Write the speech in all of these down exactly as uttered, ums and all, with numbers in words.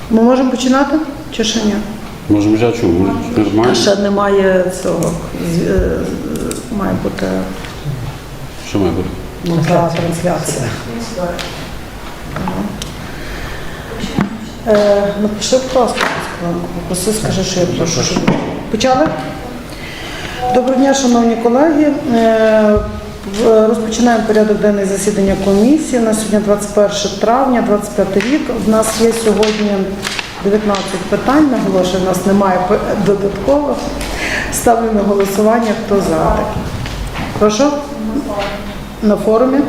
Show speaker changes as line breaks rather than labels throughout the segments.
Ми можемо починати чи ще ні?
Можемо взяти чому? Нормально?
Ще немає цього, має бути
Що має бути?
ну, та трансляція. Е, напиши, будь ласка, попроси, скажи, що я прошу. Щоб... Почали? Доброго дня, шановні колеги. Е, розпочинаємо порядок денний засідання комісії. На сьогодні двадцять перше травня, двадцять п'ятий рік. У нас є сьогодні дев'ятнадцять питань, наголошую, у нас немає додаткових. Ставлю на голосування, хто за таке. Прошу? На форумі.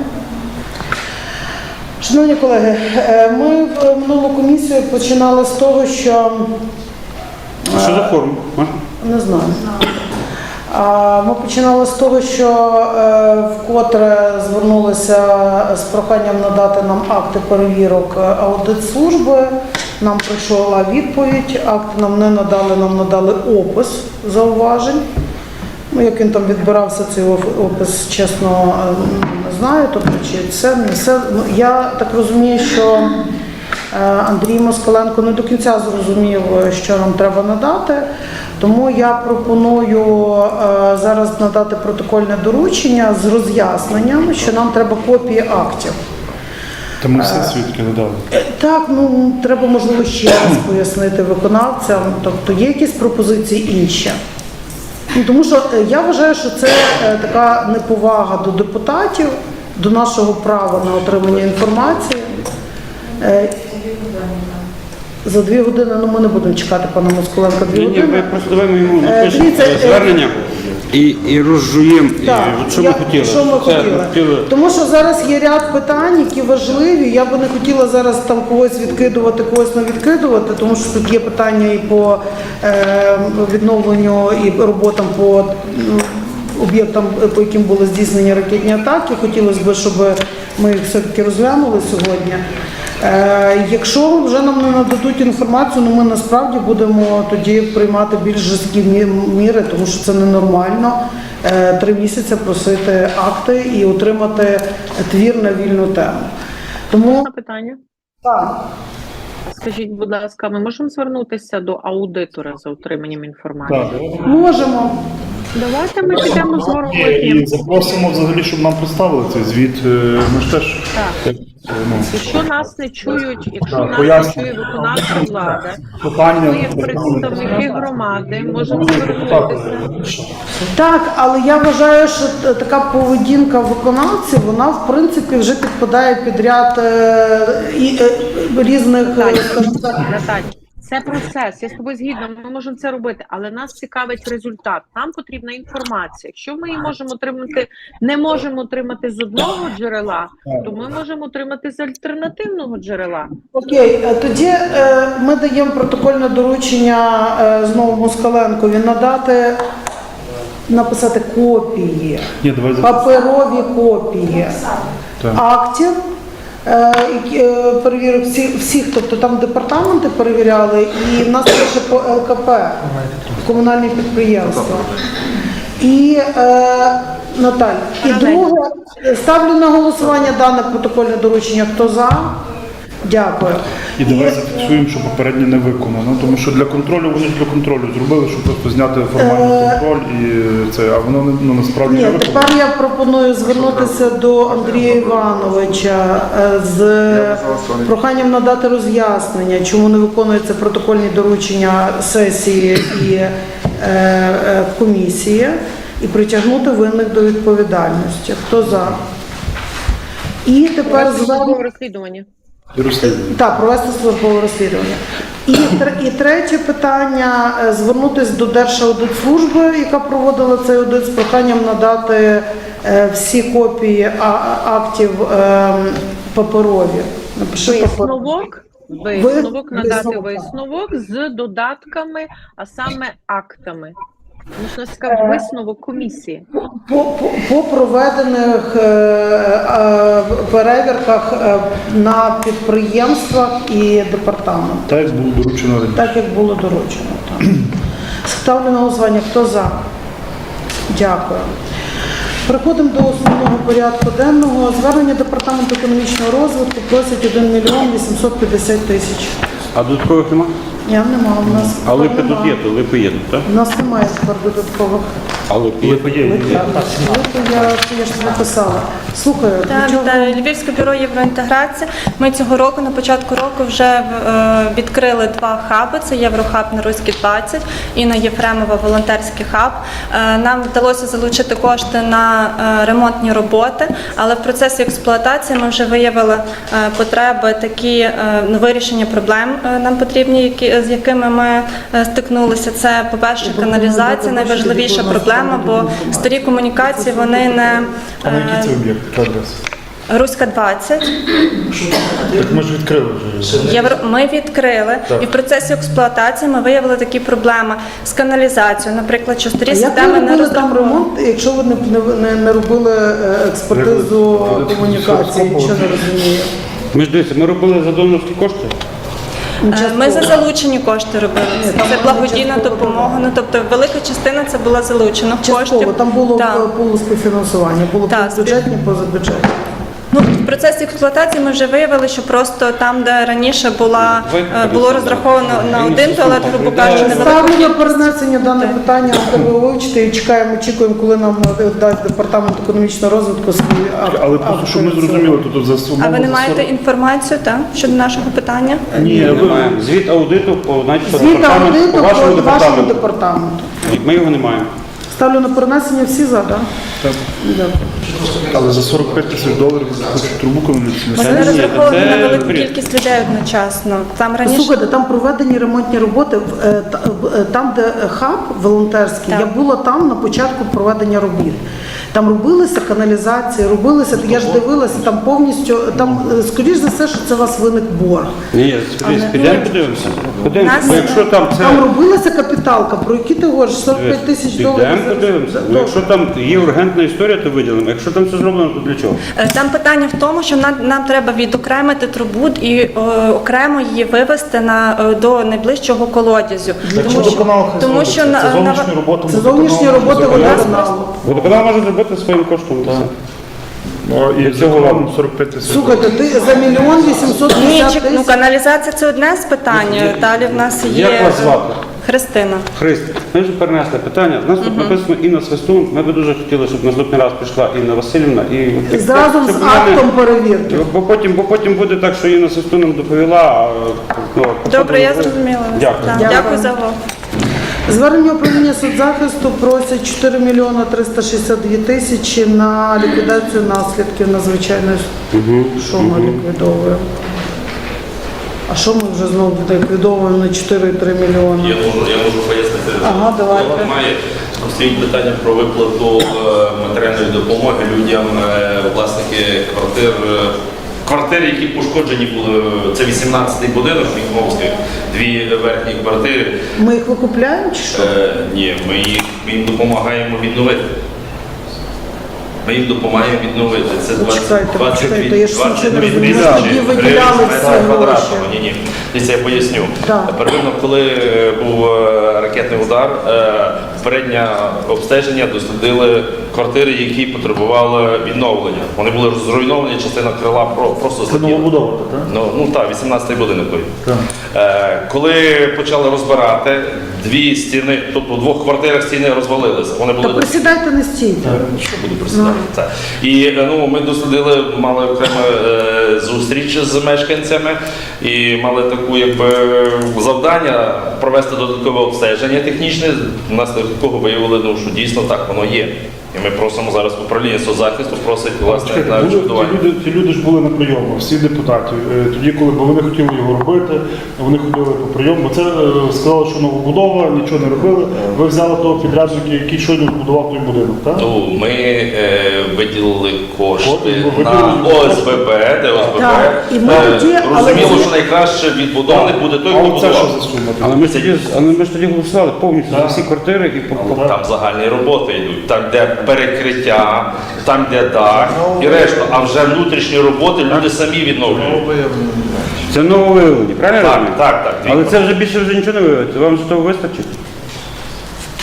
Шановні колеги, ми в минулу комісію починали з того, що...
А що за форум? Можна?
Не знаю. Ми починали з того, що вкотре звернулися з проханням надати нам акти перевірок аудитслужби. Нам прийшла відповідь, акти нам не надали, нам надали опис зауважень. Ну, як він там відбирався, цей опис, чесно, не знаю. Тобто, чи це не все. Я так розумію, що Андрій Москаленко не до кінця зрозумів, що нам треба надати. Тому я пропоную зараз надати протокольне доручення з роз'ясненням, що нам треба копії актів.
Та ми все свідки надали.
Так, ну треба, можливо, ще раз пояснити виконавцям. Тобто є якісь пропозиції інші. Ну, тому що я вважаю, що це така неповага до депутатів, до нашого права на отримання інформації. За дві години, ну ми не будемо чекати пана Москаленка дві
Ні,
години.
ні, ви просто давай ми йому
Е,
напишемо
дивіться, е,
звернення і, і розжуємо,
Так,
і, що
я-
ми хотіли.
що ми
Це
хотіли.
хотіли.
Тому що зараз є ряд питань, які важливі. Я би не хотіла зараз там когось відкидувати, когось не відкидувати, тому що тут є питання і по е, відновленню, і роботам по м, об'єктам, по яким були здійснені ракетні атаки. Хотілося б, щоб ми їх все-таки розглянули сьогодні. Е, якщо вже нам не нададуть інформацію, ну ми насправді будемо тоді приймати більш жорсткі мі- міри, тому що це ненормально. Е, три місяці просити акти і отримати твір на вільну тему. Тому
Можна питання?
так.
Скажіть, будь ласка, ми можемо звернутися до аудитора за отриманням інформації?
Так.
Можемо.
Давайте ми підемо з
І
Горготнім.
запросимо взагалі, щоб нам представили цей звіт. Е, Ми ж теж
Так.
е, ну,
Якщо нас не чують, якщо
Так,
нас не
поясню.
чує виконавча влада,
питання.
ми як представники громади можемо звернутися.
Так, але я вважаю, що т- така поведінка виконавців, вона в принципі вже підпадає під ряд е, і, е, різних е,
Наталя,
скажімо так,
Наталя, це процес, я з тобою згідна, ми можемо це робити, але нас цікавить результат, нам потрібна інформація. Якщо ми її можемо отримати, не можемо отримати з одного джерела, то ми можемо отримати з альтернативного джерела.
Окей, е, тоді е, ми даємо протокольне доручення е, знову Москаленкові надати, написати копії,
Ні, давай за
паперові копії
Так.
актів, е, які, е, перевірок всіх, всіх, тобто там департаменти перевіряли, і в нас лише по Л К П, комунальні підприємства. І е, Наталь, і друге, ставлю на голосування дане протокольне доручення. Хто за? Дякую.
І давай зафіксуємо, що попереднє не виконано, тому що для контролю вони ж для контролю зробили, щоб просто зняти формальний контроль і це, а воно не- ну, насправді не
Ні,
виконано.
тепер я пропоную звернутися до Андрія Івановича е, з проханням надати роз'яснення, чому не виконуються протокольні доручення сесії і е, е, комісії, і притягнути винних до відповідальності. Хто за? І тепер
Провести
звернення.
службове розслідування.
І розслідування.
Так, провести службове розслідування. І, тр- і третє питання – звернутися до Держаудитслужби, яка проводила цей аудит, з проханням надати е, всі копії а- а- актів е, паперові. Напиши папер-
Висновок, висновок, надати
висновок, так.
висновок з додатками, а саме актами. Можна сказати, висновок комісії.
По, по, по проведених е, е, перевірках е, на підприємствах і департаментах,
Так, як було доручено раніше.
так як було доручено. Так. Ставлю на голосування. Хто за? Дякую. Переходимо до основного порядку денного. Звернення Департаменту економічного розвитку просить один мільйон вісімсот п'ятдесят тисяч.
А додаткових немає?
Я нема, у нас
А липи
нема.
тут є, то липи є тут, так?
У нас немає тепер додаткових.
А липи є.
Липи є, є.
Липи, я, я ж написала. Слухаю,
Так,
до чого-
вітаю. Львівське бюро євроінтеграції. Ми цього року, на початку року, вже е, відкрили два хаби. Це Єврохаб на Руській двадцять і на Єфремова волонтерський хаб. Е, Нам вдалося залучити кошти на е, ремонтні роботи, але в процесі експлуатації ми вже виявили е, потреби такі, е, ну, вирішення проблем е, нам потрібні, які, з якими ми е, стикнулися. Це, по-перше, каналізація, найважливіша проблема, бо старі комунікації, вони не...
А на який це
е,
об'єкт? Яка адреса?
Руська двадцять.
Так ми ж відкрили вже.
Євро... Ми відкрили,
Так.
і в процесі експлуатації ми виявили такі проблеми з каналізацією. Наприклад, що старі
А як ви
системи не
робили там
розраховані.
ремонт, якщо ви не, не, не робили е, експертизу
Ви-
комунікації,
ви-
що не розумію?
Ми ж дивіться, ми робили за донорські кошти.
Е, Ми за залучені кошти робили.
Ні, там
Це
була
благодійна
частково
допомога. Ну тобто велика частина це була залучена
Частково,
коштів.
там було
Так.
було співфінансування, було
Так,
бюджетні, позабюджетні.
Ну, в процесі експлуатації ми вже виявили, що просто там, де раніше була, е, було розраховано на один туалет, грубо кажучи, невелика
Ставлю на перенесення дане питання, треба вивчити і чекаємо, очікуємо, коли нам дасть департамент економічного розвитку свій акт.
Але просто, щоб ми зрозуміли, тут за
А ви не маєте інформацію, так, щодо нашого питання?
Ні,
Ми
ви-
маємо. Звіт аудиту по, значить, по
Звіт
департаменту,
аудиту
по вашому
по вашому
департаменту.
департаменту.
Ми його не маємо.
Ставлю на перенесення, всі за, так?
Так.
Дякую.
Але за сорок п'ять тисяч доларів хочуть трубу комунікаційну.
Вони
ні,
розраховували
це
на велику
бред.
кількість людей одночасно. Там раніше
Слухайте, там проведені ремонтні роботи. в- е, та- в- е, Там, де хаб волонтерський,
Так.
я була там на початку проведення робіт. Там робилися каналізації, робилися, я ж дивилася, там повністю, там, е, скоріш за все, що це у вас виник борг.
Ні, скоріше, підемо подивимося. Подивимося,
Нас-
бо якщо там це...
Там робилася капіталка, про які ти говориш, сорок п'ять тисяч доларів.
Підемо
зараз-
подивимося.
Да,
Ну, якщо там є ургентна історія, то виділимо. Якщо там все зроблено, то для чого?
Е, там питання в тому, що нам, нам треба відокремити трубу і е, окремо її вивести на е, до найближчого колодязю. Тому що, тому що на,
це
на
зовнішні роботи.
Це зовнішні роботи водоканалу.
Водоканал може зробити своїм коштом. і все.
Ну, і
Для цього
цього
ладно.
сорок п'ять тисяч.
Слухайте, ти за мільйон вісімсот
ні,
п'ятдесят
чек- ну
тисяч.
каналізація це одне з питань. Далі в нас є
Як вас звати?
Христина.
Христ, ми вже перенесли питання. У нас тут написано Інна Свистун. Ми би дуже хотіли, щоб наступний раз прийшла Інна Васильівна. І,
І зразу
щоб
з
вона не-
актом перевірки.
Бо потім, бо потім буде так, що Інна Свистун нам доповіла. а, ну,
Добре, я
потім-
зрозуміла. вас.
Дякую.
Так,
Дякую.
Дякую за увагу.
Звернення управління соцзахисту просять чотири мільйони триста шістдесят дві тисячі на ліквідацію наслідків надзвичайної. Що ми ліквідовуємо? А що ми вже знову ліквідовуємо на чотири цілих три мільйони?
Я можу, я можу пояснити.
Ага, давайте.
Має стоїть питання про виплату е, матеріальної допомоги людям, е, власники квартир, е, квартири, які пошкоджені були. Це вісімнадцятий будинок Міхновський, дві верхні квартири.
Ми їх викупляємо чи що?
Е, ні, ми їх ми їм допомагаємо відновити. Ми їм допомагаємо відновити. Це
Почекайте,
двадцять
почекайте, я ж нічого не
двадцять дві
розумію.
тисячі
Тоді
гривень
виділяли
з метра
ці гроші.
квадратного. Ні, ні. Дивіться, я поясню.
Так.
Первинно, коли е, був е, ракетний удар, е, переднє обстеження дослідили квартири, які потребували відновлення. Вони були зруйновані, частина крила про- просто
Це
злетіла.
новобудова, так?
Ну, ну так, вісімнадцятий будинок той.
Так.
Е, коли почали розбирати, дві стіни, тобто в двох квартирах стіни розвалилися. Вони були
Та присідайте не стійте.
що буду присідати. Це. І е, ну, ми дослідили, мали окрему е, зустріч з мешканцями і мали таку якби завдання провести додаткове обстеження технічне, внаслідок якого виявили, ну, що дійсно так воно є. І ми просимо зараз управління соцзахисту, просить власне
Чекайте,
на
були- ті,
відшкодування.
люди, ті люди ж були на прийому, всі депутатів. Е, Тоді, коли бо вони хотіли його робити, вони ходили по прийому. Бо це е, сказали, що новобудова, нічого не робили. Ви взяли того підрядника, який щойно будував той будинок, так?
Ну, ми е, виділили кошти
Кошти,
на
виділили.
ОСББ, де ОСББ.
Так, і ми
Е,
тоді- але
розуміло,
ці-
що найкраще відбудовник буде той,
А
хто
оце що
будував.
за сума?
Але ми ж тоді, але ми ж тоді голосували повністю за всі квартири і по, по-
Там загальні роботи йдуть, там де перекриття, там де дах і решта. А вже внутрішні роботи люди самі відновлюють.
це нововиявлення, правильно? я
Так,
розумію?
так, так.
Але це вже більше вже нічого не виявиться. Вам ж того вистачить?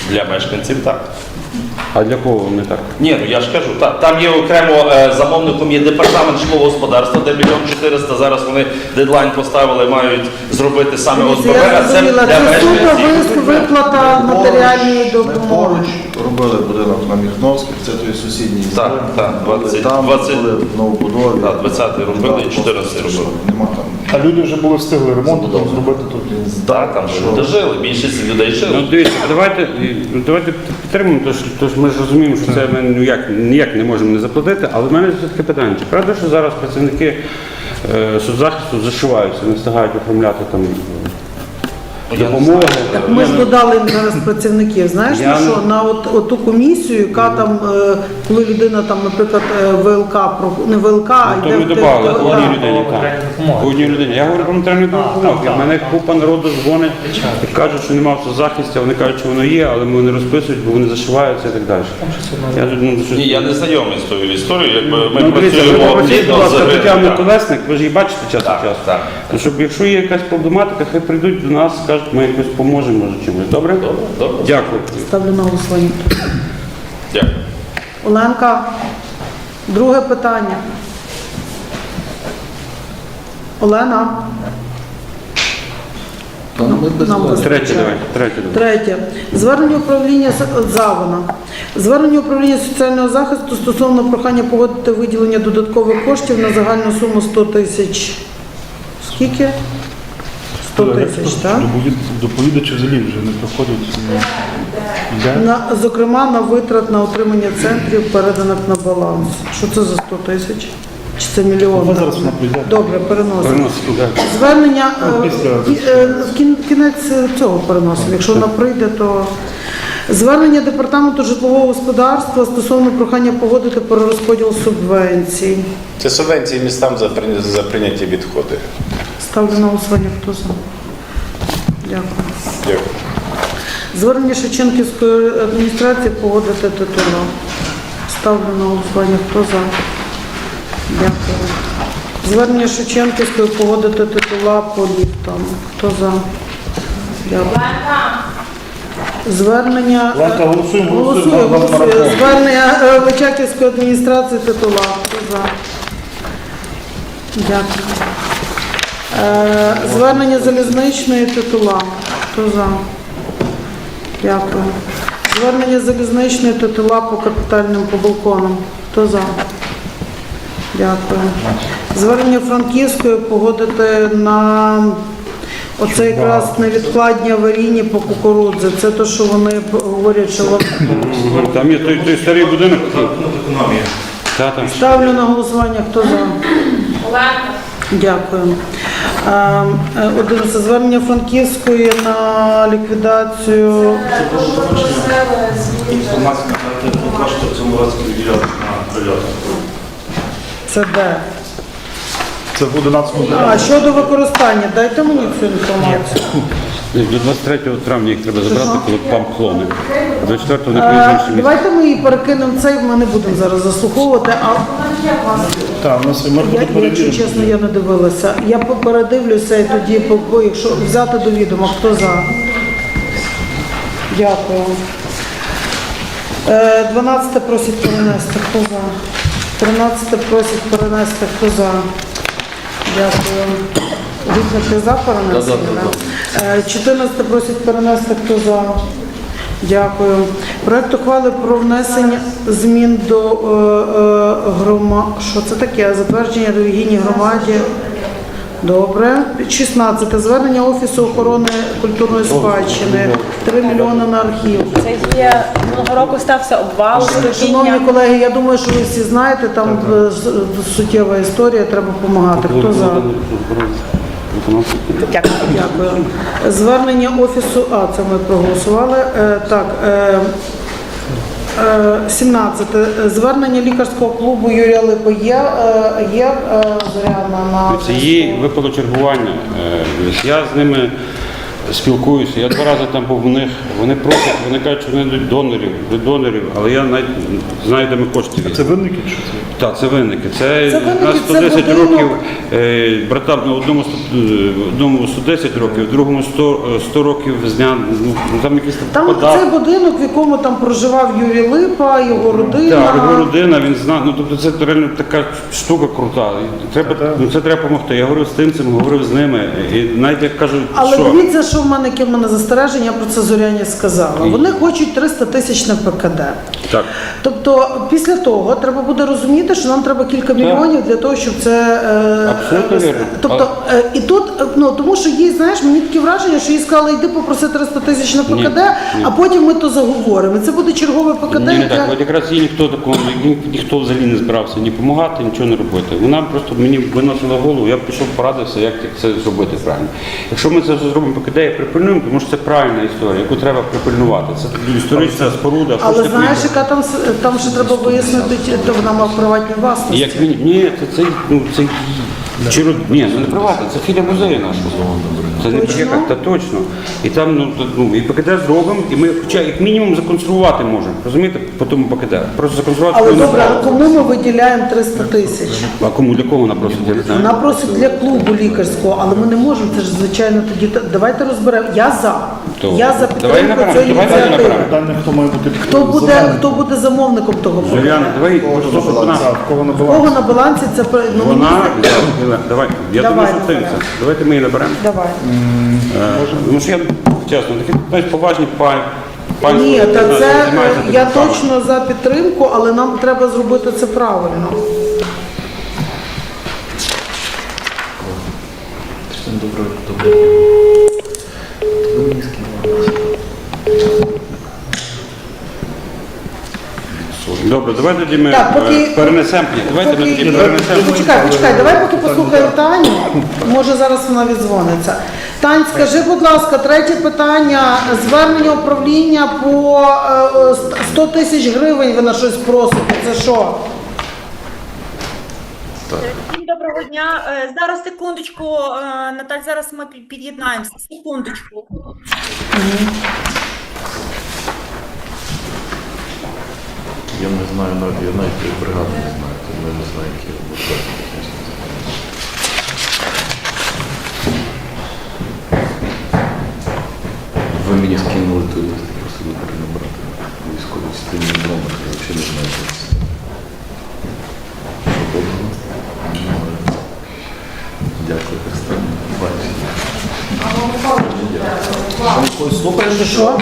Для мешканців так.
А для кого вони так?
Ні, ну я ж кажу, та, там є окремо е, замовником є департамент житлового господарства, де мільйон чотириста. Зараз вони дедлайн поставили, мають зробити саме ОСББ,
Я
а це
зрозуміла,
для
це суто
мешканців.
виплата матеріальної
Ми
допомоги.
поруч робили будинок на Міхновській, це той сусідній.
Так,
зелень.
так, двадцять,
Там
двадцять.
були в новобудові.
Так, двадцятий робили і чотирнадцятий
Просто
робили.
Нема там.
А люди вже були встигли ремонт там зробити тут.
Так, там люди жили, більшість людей
Ну
жили.
дивіться, давайте, ну, давайте підтримуємо, тож, тож ми ж розуміємо, що це ми ніяк, ніяк не можемо не заплатити, але в мене все таке питання. Чи правда, що зараз працівники е, соцзахисту зашиваються, не встигають оформляти там
Ну, я не
допомоги?
знаю.
Ми ж додали їм зараз працівників. Знаєш,
Я
на
не-
що на от, от ту комісію, яка там, е, коли людина там, наприклад, е, ВЛК, про- не ВЛК, а
Ну, то
йде
ми
в те-
додали
в-
по одній
так.
людині. так. По одній людині. Я говорю про матеріальну допомогу. В мене купа народу дзвонить і кажуть, що немає в захисті, вони кажуть, що воно є, але вони розписують, бо вони зашиваються і так далі. Я, тут, ну, щось-
Ні, я не знайомий з тою історією, якби ми
Ну, дивіться, ви
працюємо
попросіть, будь
плідно з
ласка, Тетяну
ринком.
Колесник, ви ж її бачите час
Так,
від часу.
так.
Ну, щоб якщо є якась проблематика, хай прийдуть до нас, скажуть, ми якось поможемо, може чимось. Добре?
Добре, добре.
Дякую.
Ставлю на голосування.
Дякую.
Оленка, друге питання. Олена.
Там ми без
Нам
вас.
Третє давай. Третє давай.
Третє. Звернення управління С- Завона. Звернення управління соціального захисту стосовно прохання погодити виділення додаткових коштів на загальну суму сто тисяч. Скільки? сто тисяч, так?
Доповід- Доповідачі взагалі вже не приходять. ну, йде.
На, зокрема, на витрат на утримання центрів, переданих на баланс. Що це за сто тисяч? Чи це мільйон?
Ну, зараз вона прийде.
Добре, переносимо.
Переносимо, так.
Звернення
Ну,
е,
після-
кі- е, в кін- кінець цього переносимо. Якщо вона прийде, то звернення департаменту житлового господарства стосовно прохання погодити перерозподіл субвенцій.
Це субвенції містам за прийня- за прийняті відходи.
Ставлю на голосування. Хто за? Дякую.
Дякую.
Звернення Шевченківської адміністрації погодити титула. Ставлю на голосування. Хто за? Дякую. Звернення Шевченківської погодити титула по ліфтам. Хто за? Дякую. Звернення... е,
Ленка, голосуємо, голосуємо.
Голосує,
Нам- нам
голосує.
марафон.
Звернення е, Личаківської адміністрації титула. Хто за? Дякую. Е, Звернення залізничної титула. Хто за? Дякую. Звернення залізничної титула по капітальним по балконам. Хто за? Дякую. Звернення Франківської погодити на оце якраз невідкладні аварійні по кукурудзі. Це те, що вони говорять, що вам-
Там є той, той старий будинок. Та, там.
ставлю на голосування. Хто за? Дякую. Е, е, одинадцяте. Звернення Франківської на ліквідацію.
Кошти в цьому році виділяли на прильоти.
Це де?
Це в одинадцятому
А щодо використання, дайте мені цю інформацію.
До двадцять третього травня їх треба забрати, коли памп-клони. двадцять четвертого не поїздимо
Е,
інше місце.
Давайте ми її перекинемо цей, ми не будемо зараз заслуховувати. А
Так, у нас ми
я,
буде
якщо
перевіримо.
чесно, я не дивилася. Я передивлюся і тоді, по- по- якщо взяти до відома, хто за. Дякую. Е, дванадцяте просить перенести, хто за. тринадцяте просить перенести, хто за. Дякую. Віктор, ти за перенесення? Е, чотирнадцяте просить перенести, хто за. Дякую. Проект ухвали про внесення змін до е, е, грома... Що це таке? Затвердження релігійній громаді. Добре. шістнадцяте. Звернення Офісу охорони культурної спадщини. три мільйони на архів.
Це є минулого року стався обвал,
Шановні
стихіння.
колеги, я думаю, що ви всі знаєте, там е, с- суттєва історія, треба допомагати. Хто за?
Дякую.
Дякую. Звернення Офісу, а це ми проголосували. Е, Так, е, е, сімнадцяте. Звернення лікарського клубу Юрія Липи є, е, є е, Зоряна на
Це їй випало чергування. Е, Я з ними спілкуюся. Я два рази там був у них, вони просять, вони кажуть, що вони йдуть донорів, до донорів, але я навіть знаю, де ми кошти
Це
візьмемо.
винники чи що це?
Так, це винники. Це,
Це винники,
у нас
це
сто десять
будинок.
років, е, братам, ну, одному, сто- е, одному сто десять років, другому сто, е, сто років з дня, ну, там якісь
Там
податки.
цей будинок, в якому там проживав Юрій Липа, його родина.
Так, його родина, він знає, ну тобто це реально така штука крута. І Треба, ну, це треба допомогти. Я говорив з тим цим, говорив з ними. І навіть як кажуть,
Але
що
дивіться, що в мене, яке в мене застереження, я про це Зоряні сказала. Вони хочуть триста тисяч на ПКД.
так.
Тобто після того треба буде розуміти, що нам треба кілька мільйонів для того, щоб це е,
Абсолютно
вести.
вірно.
Тобто е, і тут, е, ну тому що їй, знаєш, мені таке враження, що їй сказали, йди попроси триста тисяч на ПКД,
Ні, ні.
а потім ми то заговоримо. І це буде чергове ПКД,
Ні, не
яке...
так. От якраз їй ніхто такого, ні, ніхто взагалі не збирався ні допомагати, нічого не робити. Вона просто мені виносила голову, я пішов порадився, як це зробити правильно. Якщо ми це все зробимо ПКД і припильнуємо, тому що це правильна історія, яку треба припильнувати. Це історична споруда.
Але
хочете
знаєш,
прийти.
яка там с- там ще треба вияснити, чи вона мав приватні власності.
Як він, ні, це, це, ну, це чи род- ні, це не приватне, це філія музею нашого. Це не
Точно?
як, та точно. І там, ну, то- ну і ПКД зробимо, і ми хоча як мінімум законсервувати можемо, розумієте, по тому ПКД. Просто законсервувати.
Але
коли
добре,
направо.
а кому ми виділяємо триста тисяч?
А кому, для кого вона просить, я не знаю.
Вона просить для клубу лікарського, але ми не можемо, це ж звичайно тоді. Давайте розберемо. Я за.
То
Я за
давай
підтримку
наберемо,
цієї
давай
ініціативи.
наберемо.
Питання, хто має бути
Хто буде,
замовником.
хто буде замовником того проекту?
Зоряна, давай, просто, щоб вона,
Так, в кого на
Кого
балансі?
на балансі це про- ну, мені
вона,
здається-
давай, я
Давай,
думаю, що ти
наберемо.
це. Давайте ми її наберемо.
Давай.
Е, Тому що я, чесно, такі знаєш, поважні пані.
Ні, та це
займаються
е, я
такими справами.
точно за підтримку, але нам треба зробити це правильно.
Добре, давай тоді ми
Так, поки-
е, перенесемо. Ні, Давайте ми
Поки-
тоді перенесемо.
Почекай, почекай, давай поки послухаємо Таню. Може зараз вона віддзвониться. Тань, скажи, будь ласка, третє питання. Звернення управління по е, е, сто тисяч гривень ви на щось просите. Це що?
Всім доброго дня. Е, Зараз секундочку, е, Наталь, зараз ми пі- під'єднаємося. Секундочку.
Я не знаю, навіть я навіть тієї бригади не знаю, тому я не знаю, які випадки. Ви мені скинули той лист, просили перенабрати військові частини номер, я взагалі не знаю, що це. Що доброго? Немає. Дякую, Христина. Бачите.
Що?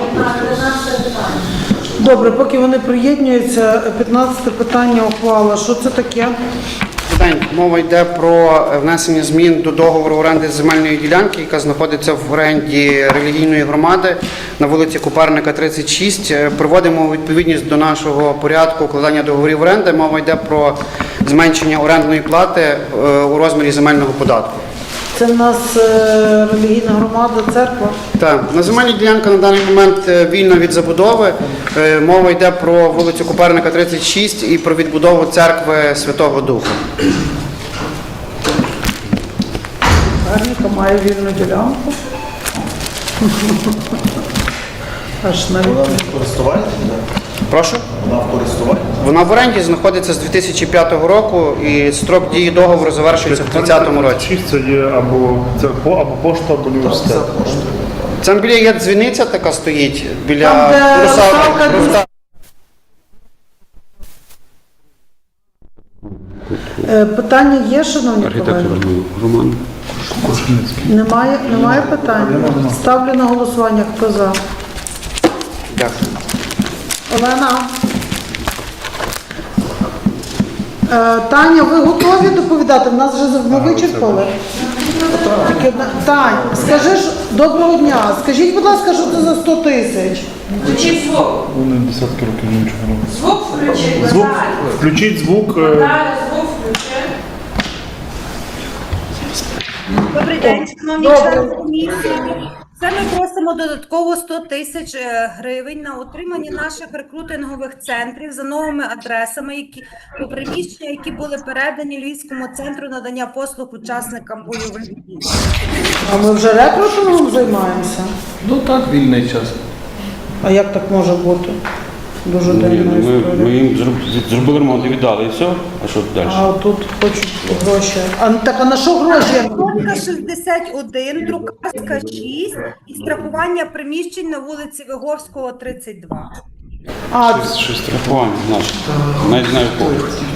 Добре, поки вони приєднуються, п'ятнадцяте питання ухвала. Що це таке?
День. Мова йде про внесення змін до договору оренди земельної ділянки, яка знаходиться в оренді релігійної громади на вулиці Купарника, тридцять шість. Е, Приводимо у відповідність до нашого порядку укладання договорів оренди. Мова йде про зменшення орендної плати е, у розмірі земельного податку.
Це в нас е, релігійна громада, церква.
Так, на земельній ділянка на даний момент е, вільна від забудови. Е, Мова йде про вулицю Купарника, тридцять шість і про відбудову церкви Святого Духа.
Гарніка має вільну ділянку. Аж навіть.
Вона в користуванні?
Прошу?
Вона в користуванні?
Вона в оренді знаходиться з дві тисячі п'ятого року і строк дії договору завершується в тридцятому році.
Шість це є або це по або пошта, або університет.
Це коштує.
Там біля є дзвіниця така стоїть, біля
Там, де
Руса-
русалка,
Руса-
Е, Питання є, шановні колеги?
Архітектор Роман.
Немає, немає питань? Ставлю на голосування. Хто за?
Дякую.
Олена? Е, Таня, ви готові доповідати? В нас вже ми вичерпали. Тільки одна- Тань, скажи ж, доброго дня. Скажіть, будь ласка, що це за сто тисяч?
Включіть звук.
Вони десятки років нічого не роблять.
Звук включіть.
Звук,
Наталя.
включіть звук. е,
Наталя, звук включи.
Добрий день, шановні
Добре.
члени комісії. Це ми просимо додатково сто тисяч е, гривень на утримання наших рекрутингових центрів за новими адресами, які по приміщення, які були передані Львівському центру надання послуг учасникам бойових дій.
А ми вже рекрутингом займаємося?
Ну так, вільний час.
А як так може бути? Дуже
Ні,
дивна
ну, ми,
історія.
ми їм зроб- зробили ремонт і віддали, і все. А що далі?
А тут хочуть гроші. А так а на що гроші?
Кнопка шістдесят один, друкарська шість і страхування приміщень на вулиці Виговського, тридцять два.
А
Страхування наше. Навіть знаю кого.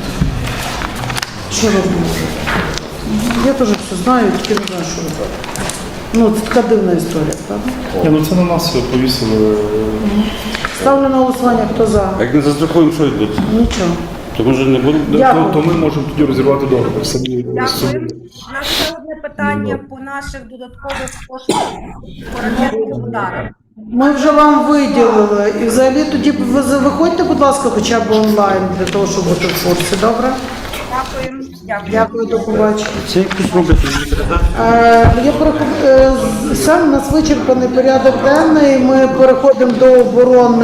що робити? Я теж все знаю, тільки не знаю, що робити. Ну, це така дивна історія, правда?
Ні, ну це на нас повісили.
Ставлю на голосування, хто за?
А як не застрахуємо, що відбудеться?
Нічого.
То може не будемо.
Дякую.
То ми можемо тоді розірвати договір самі.
Дякую. У нас ще одне питання по наших додаткових коштах по ракетних ударах.
Ми вже вам виділили. І взагалі тоді ви за- виходьте, будь ласка, хоча б онлайн для того, щоб бути в курсі, добре?
Дякую. Дякую.
Дякую, до побачення.
Це якось роблять.
Е, Я переход... е, Сам у нас вичерпаний порядок денний. Ми переходимо до оборони.